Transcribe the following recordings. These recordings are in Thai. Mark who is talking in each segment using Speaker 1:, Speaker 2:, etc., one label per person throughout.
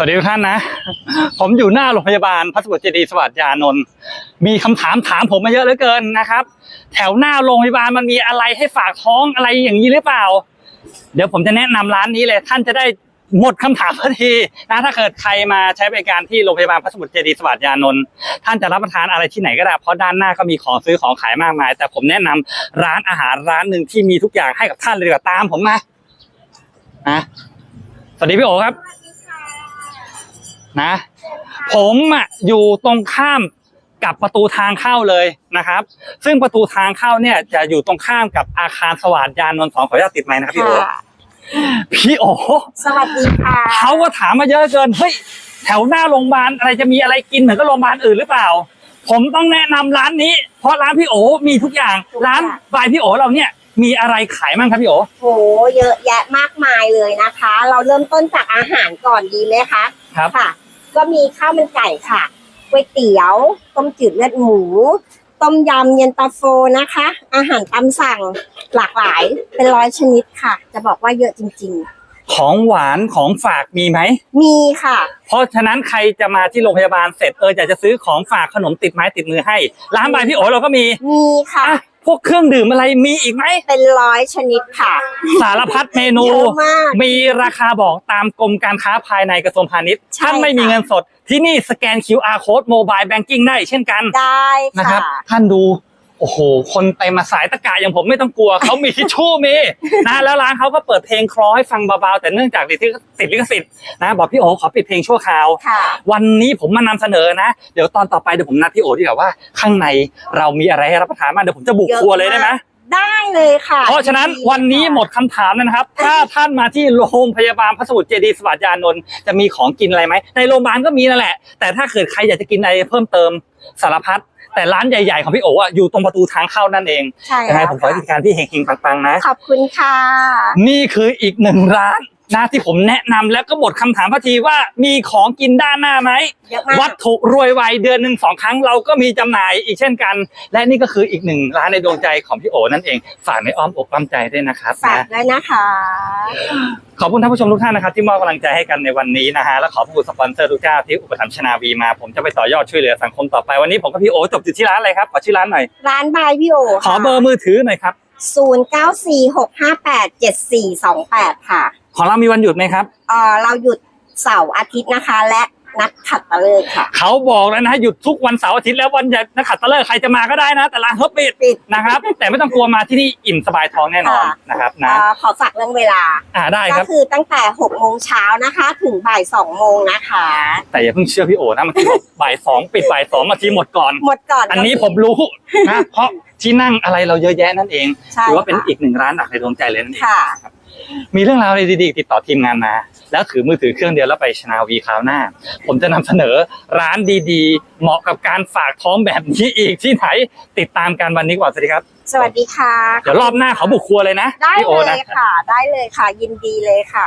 Speaker 1: วัสดีทุกท่านนะผมอยู่หน้าโรงพยาบาลพระสมุทรเจดีย์สวัสดิ์ยานนท์มีคำถามผมมาเยอะเหลือเกินนะครับแถวหน้าโรงพยาบาลมันมีอะไรให้ฝากท้องอะไรอย่างนี้หรือเปล่าเดี๋ยวผมจะแนะนำร้านนี้เลยท่านจะได้หมดคำถามทันทีนะถ้าเกิดใครมาใช้บริการที่โรงพยาบาลพระสมุทรเจดีย์สวัสดิ์ยานนท์ท่านจะรับประทานอะไรที่ไหนก็ได้เพราะด้านหน้าก็มีของซื้อของขายมากมายแต่ผมแนะนำร้านอาหารร้านหนึ่งที่มีทุกอย่างให้กับท่านเลยดีกว่าตามผมมานะสวัสดีพี่โอครับนะผมอยู่ตรงข้ามกับประตูทางเข้าเลยนะครับซึ่งประตูทางเข้าเนี่ยจะอยู่ตรงข้ามกับอาคารสวัสดิ์ยานนท์2ขออนุญาตติดไมค์นะครับพี่โอ
Speaker 2: สวัสดีค่ะ
Speaker 1: เขาก็ถามมาเยอะเกินเฮ้ยแถวหน้าโรงพยาบาลอะไรจะมีอะไรกินเหมือนกับโรงพยาบาลอื่นหรือเปล่าผมต้องแนะนำร้านนี้เพราะร้านพี่โอมีทุกอย่างร้านบายพี่โอเราเนี่ยมีอะไรขายมั่งครับพี่โอ
Speaker 2: โหเยอะแยะมากมายเลยนะคะเราเริ่มต้นจากอาหารก่อนดีไหมคะ
Speaker 1: ครับ
Speaker 2: ค่ะก็มีข้าวมันไก่ค่ะก๋วยเตี๋ยวต้มจืดเลือดหมูต้มยำเย็นตาโฟนะคะอาหารตามสั่งหลากหลายเป็น100 ชนิดค่ะจะบอกว่าเยอะจริง
Speaker 1: ๆของหวานของฝากมีไหม
Speaker 2: มีค่ะ
Speaker 1: เพราะฉะนั้นใครจะมาที่โรงพยาบาลเสร็จอยากจะซื้อของฝากขนมติดไม้ติดมือให้ร้านบายพี่โอเราก็มี
Speaker 2: ค่ะ
Speaker 1: พวกเครื่องดื่มอะไรมีอีกไหม
Speaker 2: เป็น100 ชนิดค่ะ
Speaker 1: สารพัดเมนูมีราคาบอกตามกรมการค้าภายในกระทรวงพาณิชย์ท่านไม่มีเงินสดที่นี่สแกน QR Code Mobile Banking ได้เช่นกัน
Speaker 2: ได้
Speaker 1: นะครับท่านดูโอ้โหคนไปมาสายตะกะอย่างผมไม่ต้องกลัวเขามีทิชชู่มีนะแล้วร้านเขาก็เปิดเพลงคลอให้ฟังเบาๆแต่เนื่องจากติดลิขสิทธิ์นะบอกพี่โอขอปิดเพลงชั่วคราววันนี้ผมมานำเสนอนะเดี๋ยวตอนต่อไปเดี๋ยวผมนัดพี่โอดีกว่าว่าข้างในเรามีอะไรให้รับประทานบ้างเดี๋ยวผมจะบุกครัวเลยได้ไหม
Speaker 2: ได้เลยค่ะ
Speaker 1: เพราะฉะนั้นวันนี้หมดคำถามแล้วนะครับถ้าท่านมาที่โรงพยาบาลพระสมุทรเจดีย์สวัสดิ์ยานนท์จะมีของกินอะไรไหมในโรงพยาบาลก็มีนั่นแหละแต่ถ้าเกิดใครอยากจะกินอะไรเพิ่มเติมสารพัดแต่ร้านใหญ่ๆของพี่โออยู่ตรงประตูทางเข้านั่นเองยังไงผมขอให้การที่เฮงๆปังๆนะ
Speaker 2: ขอบคุณค่ะ
Speaker 1: นี่คืออีกหนึ่งร้านนะที่ผมแนะนำแล้วก็หมดคำถามพอทีว่ามีของกินด้านหน้าไหมวัตถุรวยไวเดือนหนึ่ง2 ครั้งเราก็มีจำหน่ายอีกเช่นกันและนี่ก็คืออีกหนึ่งร้านในดวงใจของพี่โอนั่นเองฝากในอ้อมอกอ้อมใจด้วยนะครับ
Speaker 2: ฝากด้วยนะคะ
Speaker 1: ขอบคุณท่านผู้ชมทุกท่านนะครับที่มอบกำลังใจให้กันในวันนี้นะฮะและขอบคุณสปอนเซอร์ทุกเจ้าที่อุปถัมภ์ชนาวีมาผมจะไปต่อยอดช่วยเหลือสังคมต่อไปวันนี้ผมกับพี่โอจบอยู่ที่ร้านอะไรครับขอชื่อร้านหน่อย
Speaker 2: ร้านบายพี่โอ
Speaker 1: ขอเบอร์มือถือหน่อยครับ
Speaker 2: 0946587428ค่ะ
Speaker 1: ของเรามีวันหยุดไหมครับ
Speaker 2: เราหยุดเสาร์อาทิตย์นะคะและนักขัตฤกษ์ค่ะ
Speaker 1: เขาบอกแล้วนะหยุดทุกวันเสาร์อาทิตย์แล้ววันหยุดนักขัตฤกษ์ใครจะมาก็ได้นะแต่ร้านเขาปิดนะครับแต่ไม่ต้องกลัวมาที่นี่อิ่มสบายท้องแน่นอนนะครับนะ
Speaker 2: ขอฝากเรื่องเวลา
Speaker 1: ได้ครับ
Speaker 2: ก็คือตั้งแต่6 โมงเช้านะคะถึงบ่าย2 โมงนะคะ
Speaker 1: แต่อย่าเพิ่งเชื่อพี่โอนะมันที่บอกบ่าย2ปิดบ่าย2มาทีหมดก่อนอันนี้ผมรู้นะเพราะที่นั่งอะไรเราเยอะแยะนั่นเองถือว่าเป็นอีกหนึ่งร้านหลักในดวงใจเลยนั่นเองมีเรื่องราวดีๆติดต่อทีมงานมาแล้วถือมือถือเครื่องเดียวแล้วไปชนาวีคราวหน้าผมจะนำเสนอร้านดีๆเหมาะกับการฝากท้องแบบนี้อีกที่ไหนติดตามกันวันนี้ก่อนสวัสดีครับ
Speaker 2: สวัสดีค่ะ
Speaker 1: เดี๋ยวรอบหน้าเขาบุกครัวเลยนะ
Speaker 2: ได้เลยค่ะได้เลยค่ะยินดีเลยค่ะ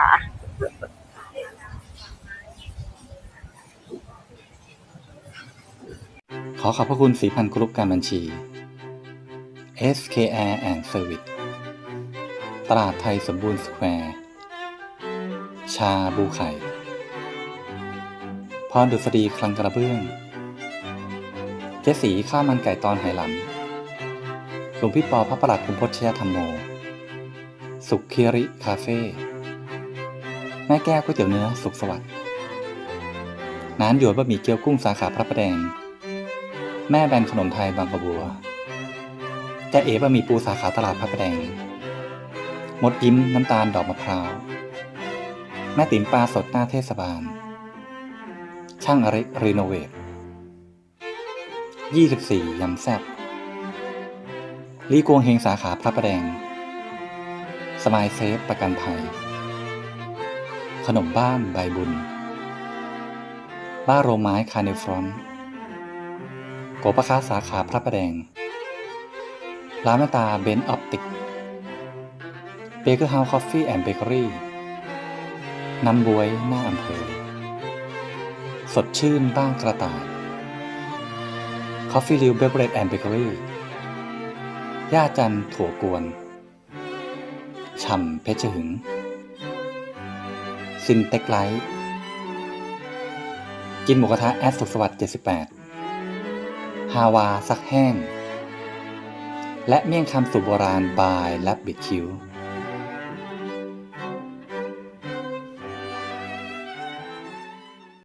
Speaker 3: ขอขอบพระคุณสีพันธุ์กรุ๊ปการบัญชี SKR and Service ตลาดไทยสมบูรณ์สแควร์ชาบูไข่พรดุษฎีคลังกระเบื้องเจ๊สีข้าวมันไก่ตอนไหหลำหลวงพี่ปอพระประหลัดภูมิพจน์ชยธรรมโมสุขคีริคาเฟ่แม่แก้วก๋วยเตี๋ยวเนื้อสุขสวัสดิ์น้ำหยวนบะหมี่เกี๊ยวกุ้งสาขาพระประแดงแม่แบนขนมไทยบางกระบัวจะเอ๋บะหมี่ปูสาขาตลาดพระประแดงมดยิ้มน้ำตาลดอกมะพร้าวแม่ติ๋มปลาสดหน้าเทศบาลช่างอเล็กรีโนเวท24ยำแซ่บลีกวงเฮงสาขาพระประแดงสมายเซฟประกันภัยขนมบ้านใบบุญบ้าโรไม้คาเนฟรอนโกปะค้าสาขาพระประแดงร้านแม่ตาเบนซ์ออปติกเบเกอร์เฮาส์คอฟฟี่แอนด์เบเกอรี่น้ำบ๊วยหน้าอำเภอสดชื่นบ้างกระต่าย Coffee Liu Beverage and Bakery ย่าจันถั่วกวนฉ่ำเพชรหึงซินเต็กไลท์กินหมูกระทะแอดสุขสวัสดิ์78ฮาวาซักแห้งและเมี่ยงคำสูตรโบราณบายและบิดคิว